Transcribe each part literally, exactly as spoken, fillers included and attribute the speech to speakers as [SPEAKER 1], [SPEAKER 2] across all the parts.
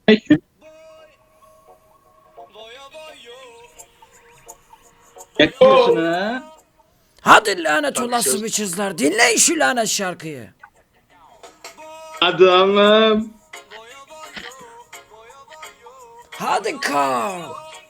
[SPEAKER 1] Yakıyorsun ha.
[SPEAKER 2] Hadi lanet olası biçizler, dinleyin şu lanet şarkıyı.
[SPEAKER 1] Adamım.
[SPEAKER 2] Hadi Carl.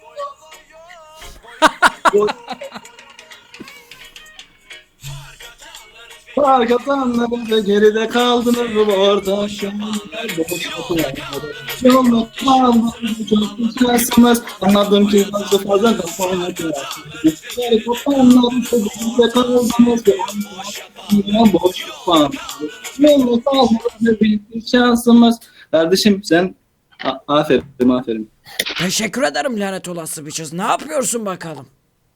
[SPEAKER 1] Arkadanlar ve geride kaldınız bu orta şanlar boş kapılar. Yolda kaldınız çok güzelsiniz. Anladım ki nasıl fazla kafana kırarsınız. Bizleri kopanlar çocukluğunda kaldınız ve anladım boş kapılar. Yolda kaldınız ve bir şansımız. Kardeşim sen A- aferin aferin.
[SPEAKER 2] Teşekkür ederim lanet olası biçiz. Ne yapıyorsun bakalım?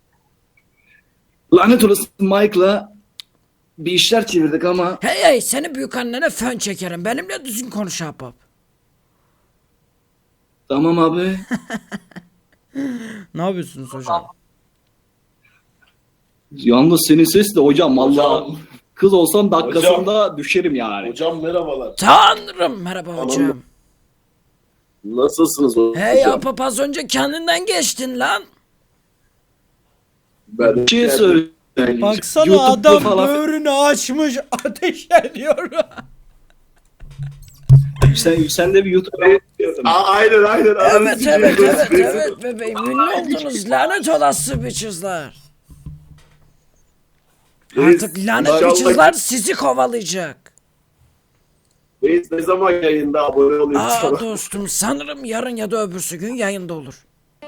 [SPEAKER 1] Lanet olası Mike'la bir işler çevirdik ama
[SPEAKER 2] Hey hey, seni büyük annene fön çekerim. Benimle düzgün konuş ahbap.
[SPEAKER 1] tamam abi.
[SPEAKER 2] Ne yapıyorsunuz hocam?
[SPEAKER 1] Yalnız senin ses de hocam vallahi
[SPEAKER 3] Hocam.
[SPEAKER 1] kız olsam dakikasında düşerim yani.
[SPEAKER 3] Hocam merhabalar.
[SPEAKER 2] Tanrım, merhaba hocam.
[SPEAKER 3] Nasılsınız hocam?
[SPEAKER 2] Hey ahbap, az önce kendinden geçtin lan.
[SPEAKER 3] Ben
[SPEAKER 1] Bir şey söyleyeyim.
[SPEAKER 2] Baksana
[SPEAKER 1] YouTube'da
[SPEAKER 2] adam
[SPEAKER 1] falan-
[SPEAKER 2] böğrünü açmış, ateş ediyor.
[SPEAKER 1] Sen, sen de bir YouTube'a
[SPEAKER 3] Aa, aynen aynen.
[SPEAKER 2] Evet evet evet evet bebeğim, ünlü oldunuz lanet olası biçizler. Artık lanet
[SPEAKER 3] İnşallah-
[SPEAKER 2] biçizler sizi kovalayacak.
[SPEAKER 3] Reis ne zaman yayında abone olayım
[SPEAKER 2] Aa
[SPEAKER 3] sana?
[SPEAKER 2] dostum, sanırım yarın ya da öbürsü gün yayında olur.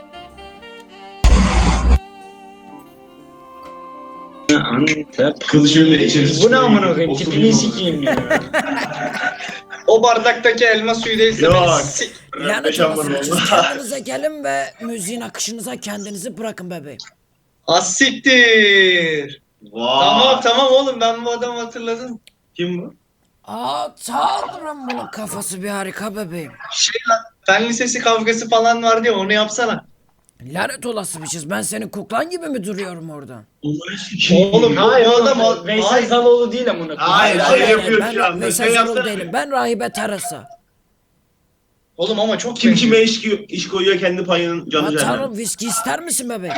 [SPEAKER 4] Kılıcımla içeriz. Bu ne amına koyayım? Tipini sikeyim ya. O bardaktaki elma suyu değilse
[SPEAKER 3] Yok.
[SPEAKER 4] beni sik.
[SPEAKER 2] Lanet
[SPEAKER 4] Yaşam
[SPEAKER 2] olası
[SPEAKER 4] var
[SPEAKER 2] biçiz,
[SPEAKER 4] oğlum.
[SPEAKER 2] kendinize gelin ve müziğin akışınıza kendinizi bırakın bebeğim.
[SPEAKER 4] Az siktir.
[SPEAKER 3] Vay.
[SPEAKER 4] Tamam tamam oğlum, ben bu adamı hatırladım.
[SPEAKER 3] Kim bu?
[SPEAKER 2] Aa tanrım, bunun kafası bir harika bebeğim.
[SPEAKER 4] Şey lan, fen lisesi kavgası falan vardı ya, onu yapsana.
[SPEAKER 2] Lanet olası biçiz, ben senin kuklan gibi mi duruyorum oradan?
[SPEAKER 4] Oğlum bu,
[SPEAKER 5] Hayır
[SPEAKER 4] bu
[SPEAKER 5] oğlum,
[SPEAKER 4] adam
[SPEAKER 5] o Veysel
[SPEAKER 4] Hayır.
[SPEAKER 5] Zaloğlu değil amına koyayım.
[SPEAKER 3] Hayır,
[SPEAKER 2] Hayır,
[SPEAKER 3] şey
[SPEAKER 2] hayır,
[SPEAKER 3] yapıyor
[SPEAKER 2] ben
[SPEAKER 3] şu anda.
[SPEAKER 2] Veysel
[SPEAKER 3] Şey
[SPEAKER 2] Zaloğlu
[SPEAKER 3] yapsana.
[SPEAKER 2] değilim, ben Rahibe Teresa.
[SPEAKER 4] Oğlum ama çok
[SPEAKER 6] Kim
[SPEAKER 4] benziyor.
[SPEAKER 6] kime iş, iş koyuyor kendi payının canı
[SPEAKER 2] Aa,
[SPEAKER 6] cehennem.
[SPEAKER 2] tanrım, viski ister misin bebeğim?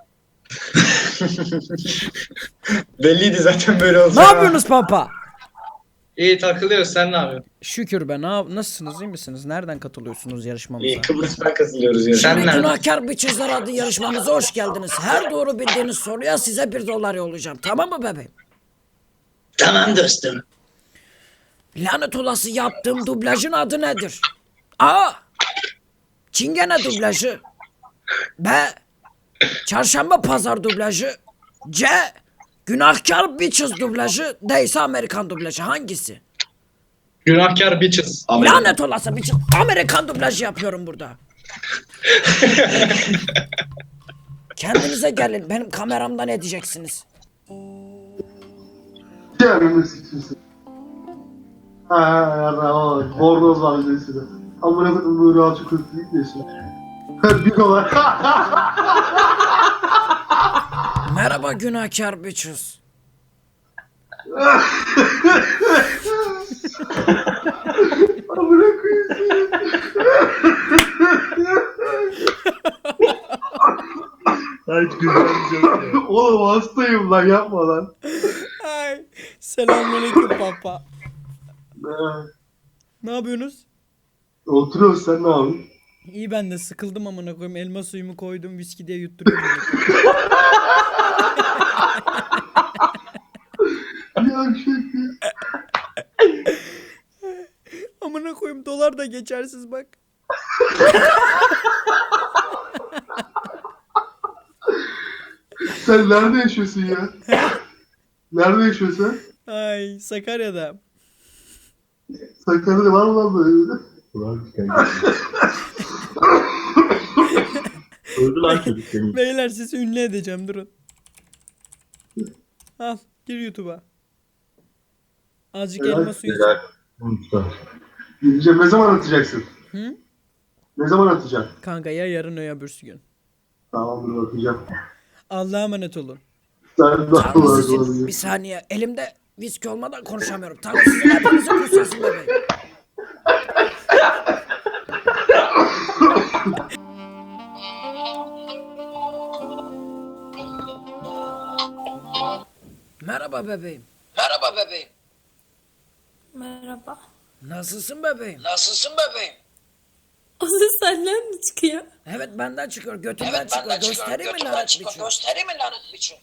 [SPEAKER 5] Belliydi zaten böyle olacak.
[SPEAKER 2] Ne yapıyorsunuz pampa?
[SPEAKER 4] İyi takılıyoruz, sen ne yapıyorsun?
[SPEAKER 2] Şükür be, na- nasılsınız, iyi misiniz? Nereden katılıyorsunuz yarışmamıza?
[SPEAKER 5] İyi, Kıbrıs'tan katılıyoruz ya.
[SPEAKER 4] Sen nereden?
[SPEAKER 2] Günahkar Biçizler adlı yarışmamıza hoş geldiniz. Her doğru bildiğiniz soruya size bir dolar yollayacağım. Tamam mı bebeğim?
[SPEAKER 4] Tamam dostum.
[SPEAKER 2] Lanet olası yaptığım dublajın adı nedir? A. Çingene dublajı. B. Çarşamba pazar dublajı. C. Günahkar Bitches dublajı. D ise Amerikan dublajı. Hangisi?
[SPEAKER 4] Günahkar bitches.
[SPEAKER 2] Lanet olası Bitches. Amerikan dublajı yapıyorum burada. Kendinize gelin. Benim kameramda ne diyeceksiniz?
[SPEAKER 7] Canını sikiyorsun. Ha ha yarra o bornoz var üzerinde. Amına koydum böyle alçı kötülük diyorsun. Bir dolar.
[SPEAKER 2] Merhaba günahkar Bitches.
[SPEAKER 7] Amına koyayım seni.
[SPEAKER 6] Ay güzel
[SPEAKER 7] Oğlum hastayım lan yapma lan.
[SPEAKER 2] Ay, selamünaleyküm papa.
[SPEAKER 7] Ha,
[SPEAKER 2] Ne yapıyorsunuz?
[SPEAKER 7] Oturuyoruz sen ne yapıyorsun?
[SPEAKER 2] İyi, ben de sıkıldım amına koyayım. Elma suyumu koydum, viski diye yutturuyorum.
[SPEAKER 7] Ya şaka.
[SPEAKER 2] Amına koyayım, dolar da geçersiz bak.
[SPEAKER 7] Sen nerede yaşıyorsun ya? Nerede yaşıyorsun sen?
[SPEAKER 2] Ay, Sakarya'da.
[SPEAKER 7] Sakarya'da var mı lan böyle?
[SPEAKER 6] Öldü lan çocuk senin.
[SPEAKER 2] Beyler, sizi ünlü edeceğim, durun. Al, gir YouTube'a. Azıcık
[SPEAKER 7] Helal,
[SPEAKER 2] elma suyu.
[SPEAKER 7] helal. Gideceğim, ne zaman atacaksın?
[SPEAKER 2] Hı?
[SPEAKER 7] Ne zaman atacaksın?
[SPEAKER 2] Kanka ya yarın ya öbürsü gün.
[SPEAKER 7] Tamamdır atacağım.
[SPEAKER 2] Allah'a emanet olun.
[SPEAKER 7] Sen de
[SPEAKER 2] Tanrı
[SPEAKER 7] var
[SPEAKER 2] sizin, bir
[SPEAKER 7] olabilir.
[SPEAKER 2] saniye, elimde viski olmadan konuşamıyorum. Tanrı sizin hepinizi kusuyorsun bebeğim. Merhaba bebeğim. Merhaba bebeğim.
[SPEAKER 8] Merhaba.
[SPEAKER 2] Nasılsın bebeğim? Nasılsın bebeğim?
[SPEAKER 8] O ses senden mi çıkıyor?
[SPEAKER 2] Evet benden çıkıyor. Götümden evet, çıkıyor. Benden göstereyim mi lanet biçim? Göstereyim mi lanet biçim?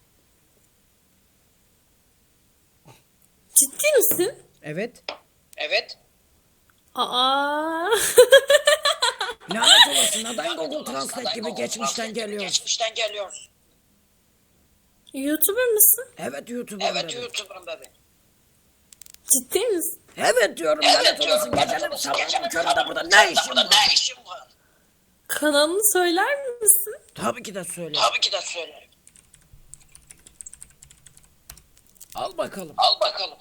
[SPEAKER 8] Ciddi misin?
[SPEAKER 2] Evet. Evet.
[SPEAKER 8] Aa.
[SPEAKER 2] Lanet olası neden Google Translate gibi geçmişten geliyor? Geçmişten geliyoruz.
[SPEAKER 8] YouTuber mısın?
[SPEAKER 2] Evet YouTuber'ım Evet bebeğim. YouTuber'ım bebeğim.
[SPEAKER 8] Ciddi misin?
[SPEAKER 2] Evet diyorum evet, lanet olası. Gecenin sabahın köründe burada ne işin var? Ne işin var?
[SPEAKER 8] Kanalını söyler misin?
[SPEAKER 2] Tabii ki de söylerim. Tabii ki de söylerim. Al bakalım. Al bakalım.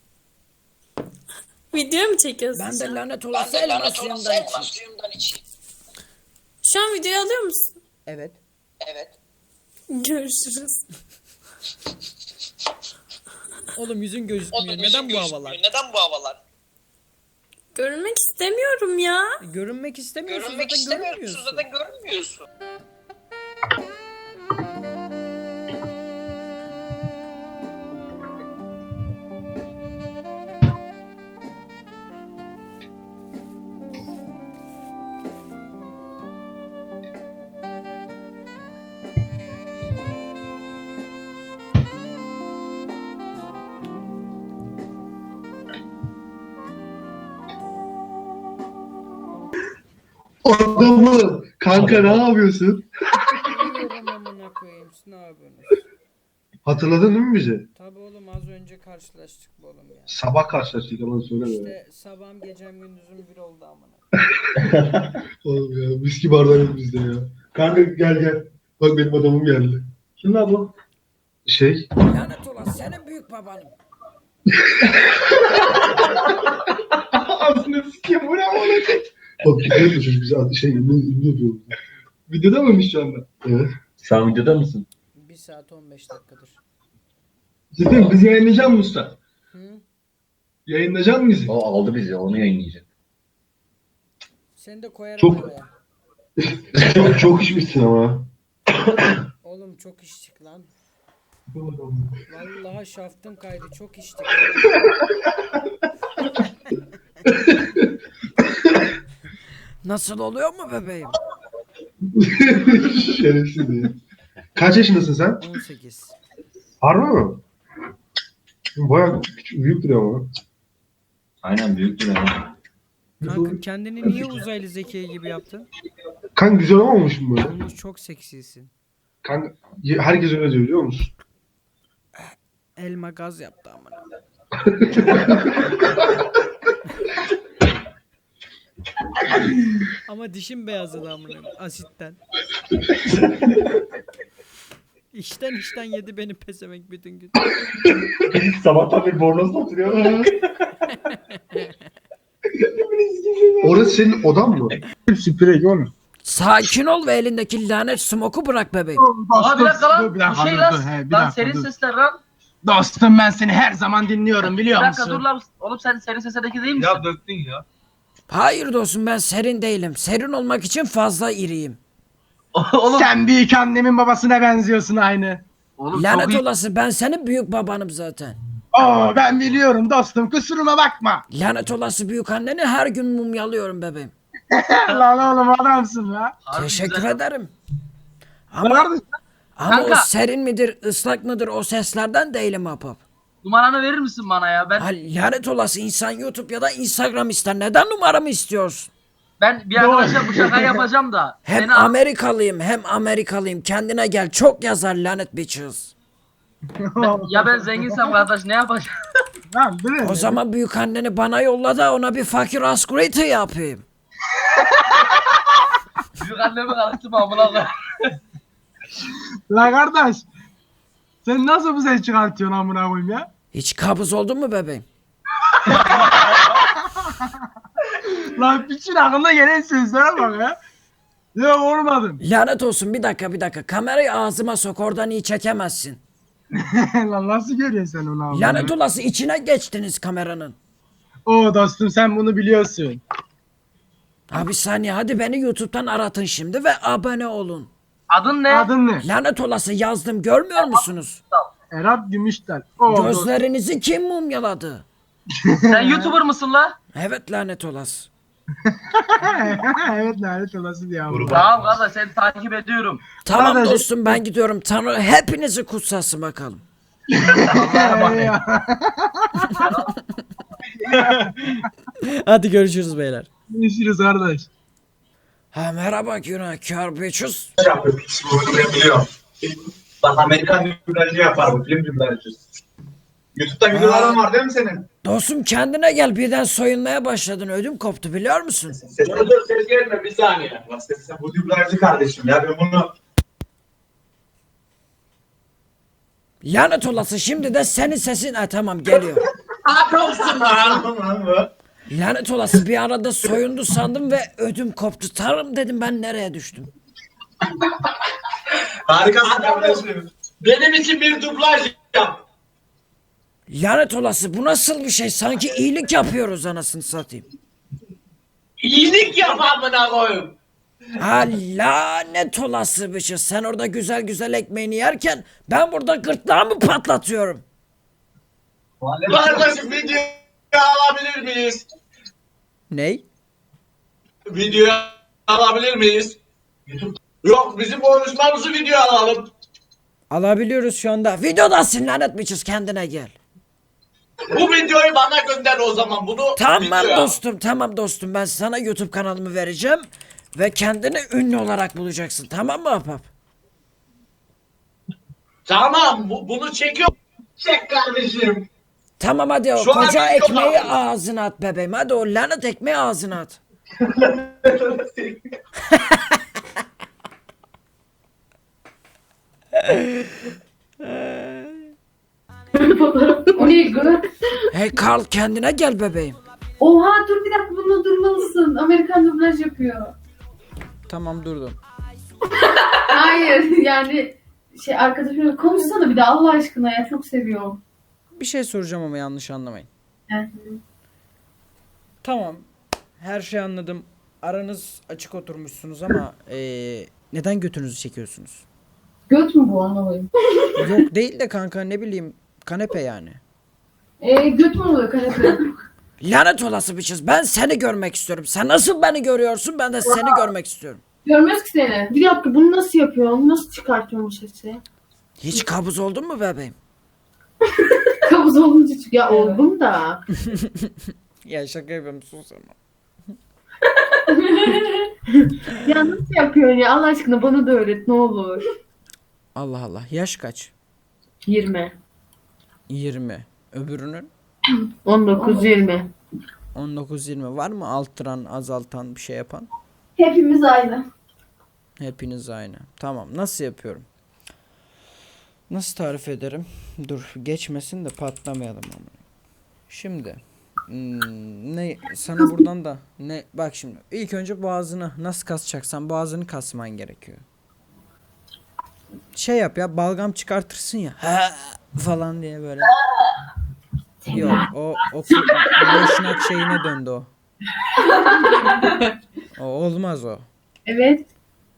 [SPEAKER 8] Video mu çekiyorsun?
[SPEAKER 2] Ben de lanet olası elmas suyumdan içeyim.
[SPEAKER 8] Şu an videoyu alıyor musun?
[SPEAKER 2] Evet. Evet.
[SPEAKER 8] Görüşürüz.
[SPEAKER 2] Oğlum yüzün gözükmüyor. Oğlum, Neden bu havalar?
[SPEAKER 3] Neden bu havalar?
[SPEAKER 8] Görünmek istemiyorum ya.
[SPEAKER 2] Görünmek istemiyorsun.
[SPEAKER 3] Görünmek
[SPEAKER 2] zaten
[SPEAKER 3] istemiyorsun
[SPEAKER 2] görünmüyorsun.
[SPEAKER 3] zaten görünmüyorsun.
[SPEAKER 7] Adamı. Kanka ne yapıyorsun?
[SPEAKER 2] Biliyorum amına koyayım. Siz ne yapıyorsunuz?
[SPEAKER 7] Hatırladın değil mi bizi?
[SPEAKER 2] Tabii oğlum az önce karşılaştık bu oğlum ya.
[SPEAKER 7] Sabah karşılaştık ama söyleme.
[SPEAKER 2] İşte sabahım gecem gündüzüm bir oldu amına.
[SPEAKER 7] Oğlum ya viski bardağı yok bizde ya. Kanka gel gel. Bak benim adamım geldi. Kim lan bu? Şey.
[SPEAKER 2] Lanet olan senin büyük babanım.
[SPEAKER 7] Ağzını sikeyim bu ne amına koyayım. Bak gidiyor mu çocuk bize şey ünlü ünlü yapıyor. Videoda mıymış şu anda? Evet.
[SPEAKER 6] Sen videoda mısın?
[SPEAKER 2] bir saat on beş dakikadır.
[SPEAKER 7] Cidden bizi yayınlayacak mısın usta?
[SPEAKER 2] Hı?
[SPEAKER 7] Yayınlayacak mısın bizi?
[SPEAKER 6] O aldı bizi, onu yayınlayacak.
[SPEAKER 2] Seni de koyarım
[SPEAKER 7] Çok-
[SPEAKER 2] araya.
[SPEAKER 7] çok, çok içmişsin ama.
[SPEAKER 2] Oğlum çok içtik lan. Vallahi şaftın kaydı çok içtik. Nasıl oluyor mu bebeğim?
[SPEAKER 7] Şerefsiz ya. Kaç yaşındasın sen?
[SPEAKER 2] on sekiz.
[SPEAKER 7] Harbi mi? Bayağı küçük, büyük duruyor ama.
[SPEAKER 6] Aynen büyüktür ama.
[SPEAKER 2] Kanka kendini niye uzaylı Zekiye gibi yaptın?
[SPEAKER 7] Kanka güzel olmamış mı böyle?
[SPEAKER 2] Olmuş çok seksisin.
[SPEAKER 7] Kanka ye- herkes öyle diyor biliyor musun?
[SPEAKER 2] Elma gaz yaptı amına. Ama dişim beyazladı amına asitten. İşten işten yedi beni pezevenk bütün gün.
[SPEAKER 6] Sabahtan bir bornozla oturuyor.
[SPEAKER 7] Orası senin odan mı? Sprey görmüyor.
[SPEAKER 2] Sakin ol ve elindeki lanet smoke'u bırak bebeğim.
[SPEAKER 9] Aa bir dakika lan. Bir şey lan. Lan serin sesler lan.
[SPEAKER 10] Dostum ben seni her zaman dinliyorum biliyor
[SPEAKER 9] Bir
[SPEAKER 10] musun?
[SPEAKER 9] dakika dur lan. Oğlum sen serin seslerdeki değil misin?
[SPEAKER 10] Ya döktün ya.
[SPEAKER 2] Hayır dostum ben serin değilim. Serin olmak için fazla iriyim.
[SPEAKER 9] Oğlum.
[SPEAKER 10] Sen büyük annemin babasına benziyorsun aynı.
[SPEAKER 9] Oğlum
[SPEAKER 2] Lanet
[SPEAKER 9] çok iyi.
[SPEAKER 2] olası ben senin büyük babanım zaten.
[SPEAKER 10] Oo ben biliyorum dostum kusuruma bakma.
[SPEAKER 2] Lanet olası büyük anneni her gün mumyalıyorum bebeğim.
[SPEAKER 10] Lan oğlum adamsın ya.
[SPEAKER 9] Harbi
[SPEAKER 2] Teşekkür
[SPEAKER 9] güzel.
[SPEAKER 2] ederim. Ama,
[SPEAKER 10] Nerede?
[SPEAKER 2] ama o
[SPEAKER 9] Kanka.
[SPEAKER 2] serin midir ıslak mıdır o seslerden değilim apap.
[SPEAKER 9] Numaranı verir misin bana ya? Ben
[SPEAKER 2] Ha, lanet olası insan YouTube ya da Instagram ister. Neden numaramı istiyorsun?
[SPEAKER 9] ben bir arkadaşa bu şakayı yapacağım da.
[SPEAKER 2] Hem
[SPEAKER 9] Seni
[SPEAKER 2] Amerikalıyım hem Amerikalıyım. Kendine gel çok yazar lanet bitches.
[SPEAKER 9] ya ben zenginsem kardeş ne yapacağım?
[SPEAKER 10] Lan değil
[SPEAKER 2] O zaman büyük anneni bana yolla da ona bir fakir askuriti yapayım.
[SPEAKER 9] Büyük annemi karıştım amına koyayım.
[SPEAKER 10] La kardeş. Sen nasıl bu ses çıkartıyorsun amına koyayım ya?
[SPEAKER 2] Hiç kabız oldun mu bebeğim?
[SPEAKER 10] Lan piçin aklına gelen sözlere bak ya. Ya olmadım.
[SPEAKER 2] Lanet olsun bir dakika bir dakika. Kamerayı ağzıma sok oradan iyi çekemezsin.
[SPEAKER 10] Lan nasıl görüyorsun sen onu abi?
[SPEAKER 2] Lanet olası içine geçtiniz kameranın.
[SPEAKER 10] Oo dostum sen bunu biliyorsun.
[SPEAKER 2] Abi saniye hadi beni YouTube'dan aratın şimdi ve abone olun.
[SPEAKER 9] Adın ne?
[SPEAKER 10] Adın ne?
[SPEAKER 2] Lanet olası yazdım görmüyor musunuz?
[SPEAKER 10] Erap Gümüştel. O
[SPEAKER 2] Gözlerinizi kim mumyaladı?
[SPEAKER 9] Sen YouTuber mısın la?
[SPEAKER 2] Evet lanet olası.
[SPEAKER 10] evet lanet olası diye abi.
[SPEAKER 9] Tamam kardeş seni takip ediyorum.
[SPEAKER 2] Tamam
[SPEAKER 10] Kardeşim-
[SPEAKER 2] dostum ben gidiyorum. Tanrı hepinizi kutsasın bakalım. Hadi görüşürüz beyler.
[SPEAKER 10] Görüşürüz kardeş.
[SPEAKER 2] Ha merhaba günahkar biçiz.
[SPEAKER 5] Biliyorum. Bak Amerikan dublajı yapar bu film dublajı. YouTube'da videoların var değil mi senin?
[SPEAKER 2] Dostum kendine gel birden soyunmaya başladın ödüm koptu biliyor musun?
[SPEAKER 5] Ses, dur dur ses gelme bir saniye. Bak ses, bu dublajcı kardeşim ya ben bunu...
[SPEAKER 2] Lanet olası şimdi de senin sesin ha tamam geliyor.
[SPEAKER 5] Akılsın lan bu.
[SPEAKER 2] Lanet olası bir arada soyundu sandım ve ödüm koptu. Tanrım dedim ben nereye düştüm?
[SPEAKER 5] Harikasın kardeşim. Benim için bir dublaj yap.
[SPEAKER 2] Lanet olası bu nasıl bir şey? Sanki iyilik yapıyoruz anasını satayım.
[SPEAKER 5] İyilik yap amına koyayım.
[SPEAKER 2] Ha lanet olası bir şey. Sen orada güzel güzel ekmeğini yerken ben burada gırtlağımı patlatıyorum.
[SPEAKER 5] Kardeşim video alabilir miyiz?
[SPEAKER 2] Ney?
[SPEAKER 5] Video alabilir miyiz? Yok bizim konuşmamızı video alalım.
[SPEAKER 2] Alabiliyoruz şu anda. Videodasın lanet biçiz kendine gel.
[SPEAKER 5] Bu videoyu bana gönder o zaman bunu.
[SPEAKER 2] Tamam
[SPEAKER 5] videoya.
[SPEAKER 2] dostum tamam dostum ben sana YouTube kanalımı vereceğim. Ve kendini ünlü olarak bulacaksın tamam mı Ahbap?
[SPEAKER 5] Tamam bu, bunu çekiyorum. Çek kardeşim.
[SPEAKER 2] Tamam hadi o
[SPEAKER 5] Şu an
[SPEAKER 2] koca
[SPEAKER 5] video
[SPEAKER 2] ekmeği
[SPEAKER 5] var.
[SPEAKER 2] ağzına at bebeğim. Hadi o lanet ekmeği ağzına at.
[SPEAKER 11] O ne gı?
[SPEAKER 2] Hey Carl kendine gel bebeğim.
[SPEAKER 11] Oha dur bir dakika bunu durmalısın. Amerikan dublaj yapıyor.
[SPEAKER 2] Tamam durdum.
[SPEAKER 11] Hayır yani şey arkadaşım konuşsana bir de Allah aşkına ya çok seviyorum.
[SPEAKER 2] Bir şey soracağım ama yanlış anlamayın.
[SPEAKER 11] Evet.
[SPEAKER 2] Tamam. Her şeyi anladım. Aranız açık oturmuşsunuz ama eee, neden götünüzü çekiyorsunuz?
[SPEAKER 11] Göt mü bu anlamayayım.
[SPEAKER 2] Yok değil de kanka ne bileyim kanepe yani.
[SPEAKER 11] Eee göt mü oluyor kanepe?
[SPEAKER 2] Lanet olası biçiz ben seni görmek istiyorum. Sen nasıl beni görüyorsun ben de seni görmek istiyorum.
[SPEAKER 11] Görmez ki seni. Bir dakika bunu nasıl yapıyorsun? Nasıl çıkartıyorsun bu sesi?
[SPEAKER 2] Hiç kabuz oldun mu bebeğim?
[SPEAKER 11] Kabuz olunca çık. Ya oldum da.
[SPEAKER 2] Ya şaka yapıyorum sus ama.
[SPEAKER 11] Ya nasıl yapıyorsun ya Allah aşkına bana da öğret ne olur.
[SPEAKER 2] Allah Allah yaş kaç?
[SPEAKER 11] yirmi.
[SPEAKER 2] yirmi. Öbürünün?
[SPEAKER 11] on dokuz yirmi.
[SPEAKER 2] on dokuz yirmi var mı altıran azaltan bir şey yapan?
[SPEAKER 11] Hepimiz aynı.
[SPEAKER 2] Hepiniz aynı. Tamam nasıl yapıyorum? Nasıl tarif ederim? Dur geçmesin de patlamayalım ama. Şimdi hmm, ne sana buradan da ne bak şimdi ilk önce boğazını nasıl kasacaksan boğazını kasman gerekiyor. Şey yap ya balgam çıkartırsın ya ha falan diye böyle. Yok o o boşnak şeyine döndü o. O olmaz o.
[SPEAKER 11] Evet.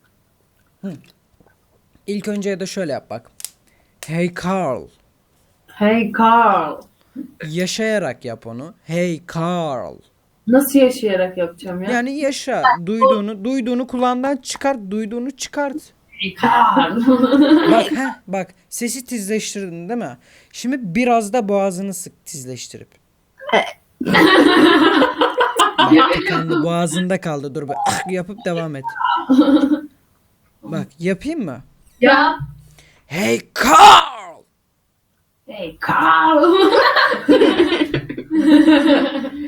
[SPEAKER 2] İlk önce ya da şöyle yap bak. Hey Carl.
[SPEAKER 11] Hey Carl.
[SPEAKER 2] Yaşayarak yap onu. Hey Carl.
[SPEAKER 11] Nasıl yaşayarak yapacağım ya?
[SPEAKER 2] Yani yaşa. Duyduğunu, duyduğunu kulağından çıkart. Duyduğunu çıkart.
[SPEAKER 11] Hey Carl.
[SPEAKER 2] Bak heh, bak sesi tizleştirdin değil mi? Şimdi biraz da boğazını sık tizleştirip. Bak tıkandı boğazında kaldı. Dur bir ah yapıp devam et. Bak yapayım mı?
[SPEAKER 11] Ya.
[SPEAKER 2] Hey Carl.
[SPEAKER 11] Hey Carl.